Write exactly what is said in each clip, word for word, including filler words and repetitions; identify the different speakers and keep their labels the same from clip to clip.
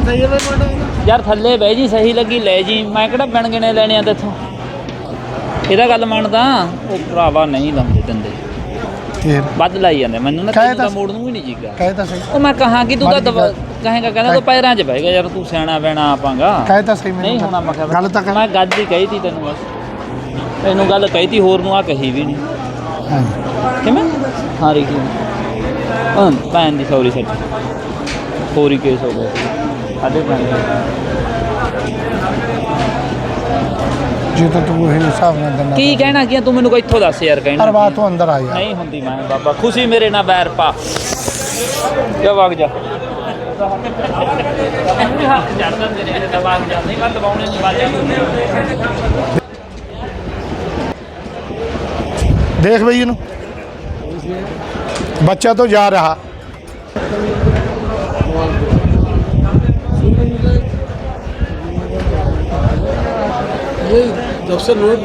Speaker 1: ਸਹੀ ਹੈ
Speaker 2: ਯਾਰ ਥੱਲੇ ਬਹਿ ਜੀ ਸਹੀ ਲੱਗੀ ਲੈ ਜੀ ਮੈਂ ਕਿਹੜਾ ਬਿਨ ਗਿਣੇ ਲੈਣੇ ਆ ਤੇਥੋਂ ਇਹਦਾ ਗੱਲ ਮੰਨਦਾ ਉਹ ਭਰਾਵਾ ਨਹੀਂ ਲਾਉਂਦੇ ਦਿੰਦੇ
Speaker 1: ਫੇਰ
Speaker 2: ਵੱਧ ਲਾਈ ਜਾਂਦੇ ਮੈਨੂੰ ਨਾ ਤੈਨੂੰ ਤਾਂ ਮੋੜ ਨੂੰ ਵੀ ਨਹੀਂ ਜੀਗਾ
Speaker 1: ਕਹੇ ਤਾਂ ਸਹੀ
Speaker 2: ਉਹ ਮੈਂ ਕਹਾਂ ਕਿ ਤੂੰ ਤਾਂ ਕਹੇਗਾ ਕਹਿੰਦਾ ਤੂੰ ਪੈਰਾਂ 'ਚ ਬਹਿ ਗਿਆ ਯਾਰ ਤੂੰ ਸਿਆਣਾ ਬੈਣਾ ਆਪਾਂਗਾ
Speaker 1: ਕਹੇ ਤਾਂ ਸਹੀ
Speaker 2: ਨਹੀਂ ਹੋਣਾ ਮੈਂ
Speaker 1: ਗੱਲ ਤਾਂ
Speaker 2: ਮੈਂ ਗੱਲ ਹੀ ਕਹੀ ਤੀ ਤੈਨੂੰ ਬਸ ਤੈਨੂੰ ਗੱਲ ਕਹੀ ਤੀ ਹੋਰ ਨੂੰ ਆ ਕਹੀ ਵੀ ਨਹੀਂ
Speaker 1: ਹਾਂਜੀ
Speaker 2: ਕਿਵੇਂ ਹਾਂ ਰੀ ਹਾਂ ਭੈਣ ਦੀ ਸੌਰੀ ਸੱਚ ਹੋਰੀ ਕੇਸ ਹੋ ਗਿਆ ਸਾਡੇ ਭੈਣ
Speaker 1: ਜੇ ਤਾਂ ਤੂੰ ਇਹ ਹਿਸਾਬ ਨਾਲ ਦਿੰਦਾ
Speaker 2: ਕੀ ਕਹਿਣਾ ਕੀ ਤੂੰ ਮੈਨੂੰ ਕੋਈ ਇੱਥੋਂ ਦੱਸ ਯਾਰ ਕਹਿਣਾ
Speaker 1: ਹਰ ਬਾਤ ਤੋਂ ਅੰਦਰ ਆ ਯਾਰ
Speaker 2: ਨਹੀਂ ਹੁੰਦੀ ਮੈਂ ਬਾਬਾ ਖੁਸ਼ੀ ਮੇਰੇ ਨਾਲ ਬੈਰ ਪਾ ਜਾ ਵਗ ਜਾ ਹੱਥ ਚੜਦਾ ਤੇਰੇ ਤੇ ਦਬਾਅ ਜਾ ਨਹੀਂ ਮੈਂ ਦਬਾਉਣੇ ਨਹੀਂ ਬਾਜੇ
Speaker 1: ਦੇਖ ਬਈ ਇਹਨੂੰ ਬੱਚਾ तो जा रहा
Speaker 3: जब से नोट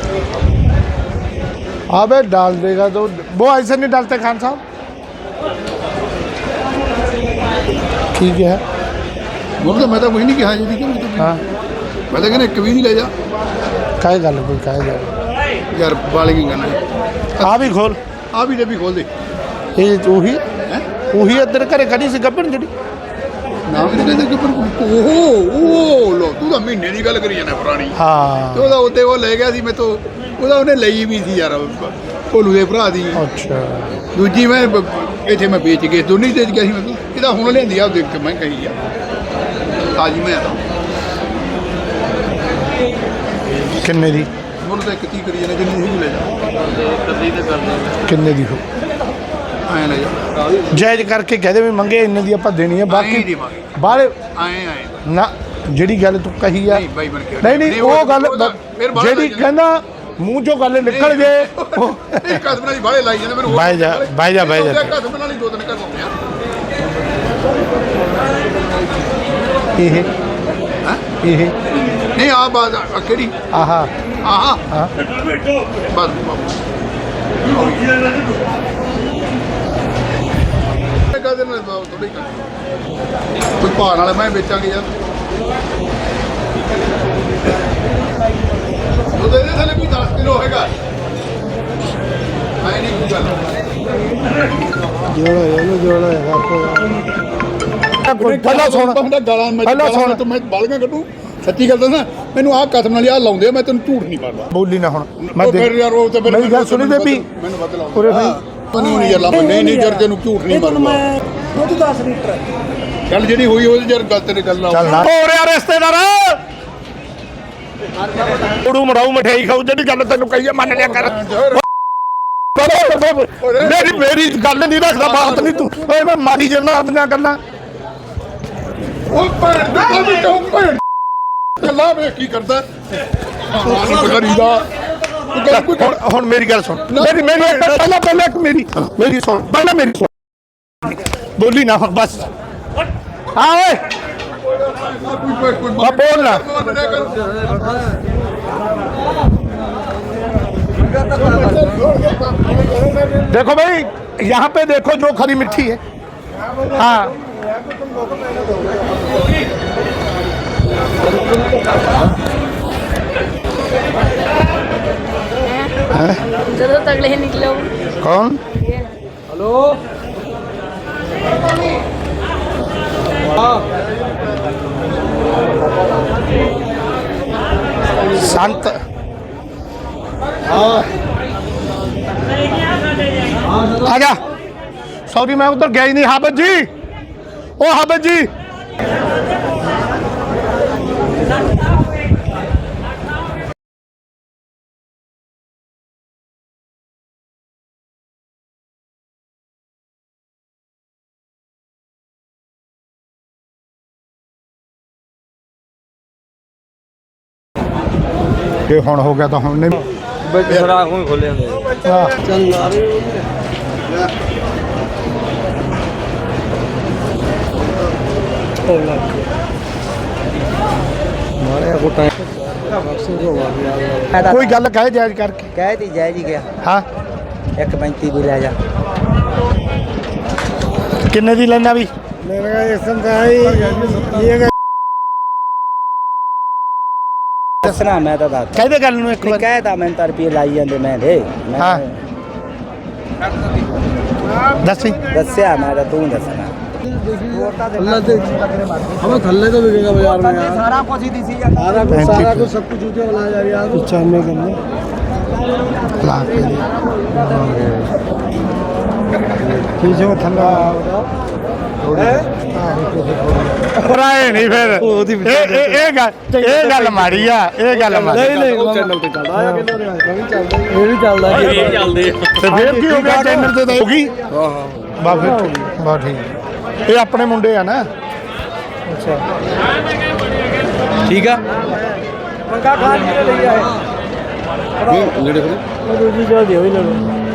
Speaker 1: अबे डाल देगा तो वो ऐसे नहीं डालते खान साहब ठीक है
Speaker 3: बोल तो मैं तो वही नहीं कहा जी कि मैं तो
Speaker 1: हाँ
Speaker 3: मैं तो कहना एक भी नहीं ले जा
Speaker 1: काहे गल कोई काहे गल
Speaker 3: यार बाले की कहना
Speaker 1: आ भी खोल
Speaker 3: आ भी भी खोल दे
Speaker 1: ये ਉਹੀ ਉਹੀ ਇੱਧਰ ਘਰੇ ਕੜੀ ਸੀ ਗੱਬਣ ਜਿਹੜੀ
Speaker 3: ਨਾ ਵੀ ਕਹਿੰਦੇ ਕਿ ਪਰ ਓਹੋ ਉਹ ਲੋ ਤੂੰ ਤਾਂ ਮਹੀਨੇ ਦੀ ਗੱਲ ਕਰੀ ਜਾਂਦਾ ਪੁਰਾਣੀ
Speaker 1: ਹਾਂ
Speaker 3: ਤੇ ਉਹਦਾ ਉੱਤੇ ਉਹ ਲੈ ਗਿਆ ਸੀ ਮੈਥੋਂ ਉਹਦਾ ਉਹਨੇ ਲਈ ਵੀ ਸੀ ਯਾਰ ਭੋਲੂ ਦੇ ਭਰਾ ਦੀ
Speaker 1: ਅੱਛਾ
Speaker 3: ਦੂਜੀ ਮੈਂ ਬ- ਇੱਥੇ ਮੈਂ ਵੇਚ ਕੇ ਦੋਨੀ ਤੇ ਗਿਆ ਸੀ ਮੈਂ ਇਹਦਾ ਹੁਣ ਲਿਆਂਦੀ ਆ ਦੇਖ ਕੇ ਮੈਂ ਕਹੀ ਆ ਤਾਜੀ ਮੈਂ ਤਾਂ
Speaker 1: ਕਿੰਨੇ ਦੀ
Speaker 3: ਹੁਣ ਤਾਂ ਇੱਕ ਤੀ ਕਰੀ ਜਾਂਦਾ ਜਿੰਨੀ ਸੀ ਲੈ ਜਾ
Speaker 1: ਕਿੰਨੇ ਦੀ ਹੋ
Speaker 3: ਐਂ ਲੈ ਜਾ
Speaker 1: ਜਾਇਜ਼ ਕਰਕੇ ਕਹਦੇ ਵੀ ਮੰਗੇ ਇੰਨੇ ਦੀ ਆਪਾਂ ਦੇਣੀ ਹੈ
Speaker 3: ਐਂ
Speaker 1: ਬਾਕੀ
Speaker 3: ਦੇਵਾਂਗੇ
Speaker 1: ਬਾਹਰ
Speaker 3: ਐਂ ਐਂ
Speaker 1: ਨਾ ਜਿਹੜੀ ਗੱਲ ਤੂੰ ਕਹੀ ਆ
Speaker 3: ਨਹੀਂ ਬਾਈ ਬਣ ਕੇ
Speaker 1: ਨਹੀਂ ਨਹੀਂ ਉਹ ਗੱਲ
Speaker 3: ਫਿਰ ਬਾਹਰ
Speaker 1: ਜਿਹੜੀ
Speaker 3: ਲਾਈ ਜਾਂਦੇ।
Speaker 1: ਕਹਿੰਦਾ ਮੂੰਹ ਚੋਂ ਗੱਲ ਨਿਕਲ ਜੇ ਉਹ
Speaker 3: ਇਹ ਕਸਮ ਨਾਲ ਹੀ ਬਾਹਲੇ ਲਾਈ ਜਾਂਦੇ ਮੈਨੂੰ ਹੋਰ
Speaker 1: ਬਾਈ ਜਾ, ਬਾਈ ਜਾ, ਬਾਈ ਜਾ।
Speaker 3: ਕਸਮ ਨਾਲ ਹੀ ਦੋ ਤਿੰਨ ਘਰ ਹੁੰਦੇ ਆ
Speaker 1: ਇਹ
Speaker 3: ਹੈਂ?
Speaker 1: ਇਹ
Speaker 3: ਨਹੀਂ ਆ ਬਾਤ ਆ ਕਿਹੜੀ
Speaker 1: ਆਹਾ
Speaker 3: ਆਹਾ
Speaker 1: ਹਾਂ
Speaker 3: ਬਸ ਕਦੇ ਨਾ ਥੋੜੀ ਕੋਈ ਭਾਰ ਵਾਲਾ ਮੈਂ ਵੇਚਾਂਗੇ ਯਾਰ ਉਹਦੇ ਦੇ ਥੱਲੇ ਕੋਈ ਦਸ ਕਿਲੋ ਹੋਏਗਾ ਐ ਨਹੀਂ ਕੋਈ ਗੱਲ
Speaker 1: ਜੋੜਾ ਇਹਨੂੰ ਜੋੜਾ ਹੈ ਪਹਿਲਾਂ ਸੁਣ
Speaker 3: ਬੰਦਾ ਗਾਲਾਂ ਮੈਂ
Speaker 1: ਪਹਿਲਾਂ ਸੁਣ।
Speaker 3: ਤੂੰ ਮੈਂ ਬਾਲੀਆਂ ਕੱਢੂ ਸੱਚੀ ਗੱਲ ਦੱਸਾਂ ਮੈਨੂੰ ਆਹ ਕਸਮ ਨਾਲ ਆ ਲਾਉਂਦੇ ਆ ਮੈਂ ਤੈਨੂੰ ਝੂਠ ਨਹੀਂ ਮਾਰਦਾ
Speaker 1: ਬੋਲੀ ਨਾ ਹੁਣ ਮੈਂ
Speaker 3: ਉਹ ਫਿਰ ਯਾਰ ਉਹ ਤੇ
Speaker 1: ਮੇਰੀ ਗੱਲ ਸੁਣੀ ਬੇਬੀ
Speaker 3: ਮੈਨੂੰ ਵੱਧ ਲਾਉਂਦੇ
Speaker 1: ਉਰੇ ਭਾਈ
Speaker 3: ਮੈਨੂੰ ਨਹੀਂ ਯਾਰ ਲਾ ਨਹੀਂ ਨਹੀਂ ਜਰ ਤੈਨੂੰ ਝੂਠ ਨਹੀਂ ਮਾਰਦਾ
Speaker 4: ਦੁੱਧ ਦਸ ਲੀਟਰ
Speaker 3: ਗੱਲ ਜਿਹੜੀ ਹੋਈ ਉਹਦੀ ਯਾਰ ਗੱਲ ਤੇਰੇ ਗੱਲ
Speaker 1: ਚੱਲ ਨਾ ਹੋ ਰਿਹਾ ਰਿਸ਼ਤੇਦਾਰ ਉੜੂ ਮੜਾਉ ਮਠਿਆਈ ਖਾਉ ਜਿਹੜੀ ਗੱਲ ਤੈਨੂੰ ਕਹੀ ਆ ਮੰਨ ਲਿਆ ਕਰ ਮੇਰੀ ਮੇਰੀ ਗੱਲ ਨਹੀਂ ਰੱਖਦਾ ਬਾਤ ਨਹੀਂ ਤੂੰ ਓਏ ਮੈਂ ਮਾਰੀ ਜਨਾ ਆਪਣੀਆਂ ਗੱਲਾਂ
Speaker 3: ਉਹ ਭੈਣ ਦਾ ਵੀ ਕਿਉਂ ਭੈਣ ਗੱਲਾਂ ਵੇ ਕੀ ਕਰਦਾ ਹਾਂ ਕਰੀਦਾ
Speaker 1: ਹੁਣ ਹੁਣ ਮੇਰੀ ਗੱਲ ਸੁਣ ਮੇਰੀ ਮੇਰੀ ਪਹਿਲਾਂ ਪਹਿਲਾਂ ਇੱਕ ਮੇਰੀ ਮੇਰੀ ਸੁਣ ਪਹਿਲਾਂ ਮੇਰੀ ਸੁਣ ਬੋਲੀ ਨਾ ਹੁਣ ਬਸ ਹਾਂ ਓਏ ਬਾ ਬੋਲ ਨਾ देखो भाई यहाँ पे देखो जो खरी मिट्टी है हाँ
Speaker 5: ਜਦੋਂ ਤਗੜੇ ਨਿਕਲੋ
Speaker 1: कौन
Speaker 4: हेलो
Speaker 1: शांत आजा सॉरी मैं उधर गया ही नहीं हाबिब जी ओ हाबिब जी ये हुण हो गया तो हुण नहीं
Speaker 4: सुराख में खोले
Speaker 1: कोई गल कहे जायज करके
Speaker 4: कह दी जाए जी गया
Speaker 1: हाँ
Speaker 4: एक पैंती भी ले जा
Speaker 1: किन्ने दी लेना भी
Speaker 4: मेरे का एक सौ का है ये ਦੱਸਣਾ ਮੈਂ ਤਾਂ ਦੱਸ
Speaker 1: ਕਹਿੰਦੇ ਗੱਲ ਨੂੰ ਇੱਕ
Speaker 4: ਨਹੀਂ
Speaker 1: ਵਾਰ
Speaker 4: ਕਹਿਤਾ ਮੈਂ ਤਾਂ ਰੁਪਏ ਲਾਈ ਜਾਂਦੇ ਮੈਂ ਦੇ ਮੈਂ
Speaker 1: ਹਾਂ। ਦੱਸੀ
Speaker 4: ਦੱਸਿਆ ਮੈਂ ਤਾਂ ਤੂੰ ਦੱਸਣਾ
Speaker 6: हमें थल्ले तो बिकेगा बाजार में यार
Speaker 4: ਸਾਰਾ ਕੁਝ ਹੀ ਦਿਸੀ ਜਾਂਦਾ
Speaker 6: सारा कुछ सारा कुछ सब कुछ ऊँचे वाला यार यार पचानवे करने ठीक है थल्ला
Speaker 1: ਰਾਏ ਨਹੀਂ ਫਿਰ ਇਹ ਇਹ ਇਹ ਗੱਲ ਇਹ ਗੱਲ ਮਾੜੀ ਆ ਇਹ ਗੱਲ ਮਾੜੀ
Speaker 6: नहीं नहीं चैनल पे चल रहा है कितना मैं भी चलता ये भी चल रहा है
Speaker 2: ਇਹ ਚੱਲਦੇ
Speaker 1: ਤੇ ਫਿਰ ਕੀ ਹੋ ਗਿਆ ਚੈਨਲ ਤੇ ਤਾਂ ਹੋ ਗਈ
Speaker 6: हां हां
Speaker 1: ਬਾ ਫਿਰ ਬਾ ਠੀਕ ਇਹ ਆਪਣੇ ਮੁੰਡੇ ਆ ਨਾ
Speaker 6: ठीक है
Speaker 4: ਮੰਗਾ ਖਾ ਲਈ ਲਈ ਆਏ
Speaker 6: नेड़े खड़े
Speaker 4: ਦੂਜੀ ਜਲਦੀ ਹੋਈ ਲੜੋ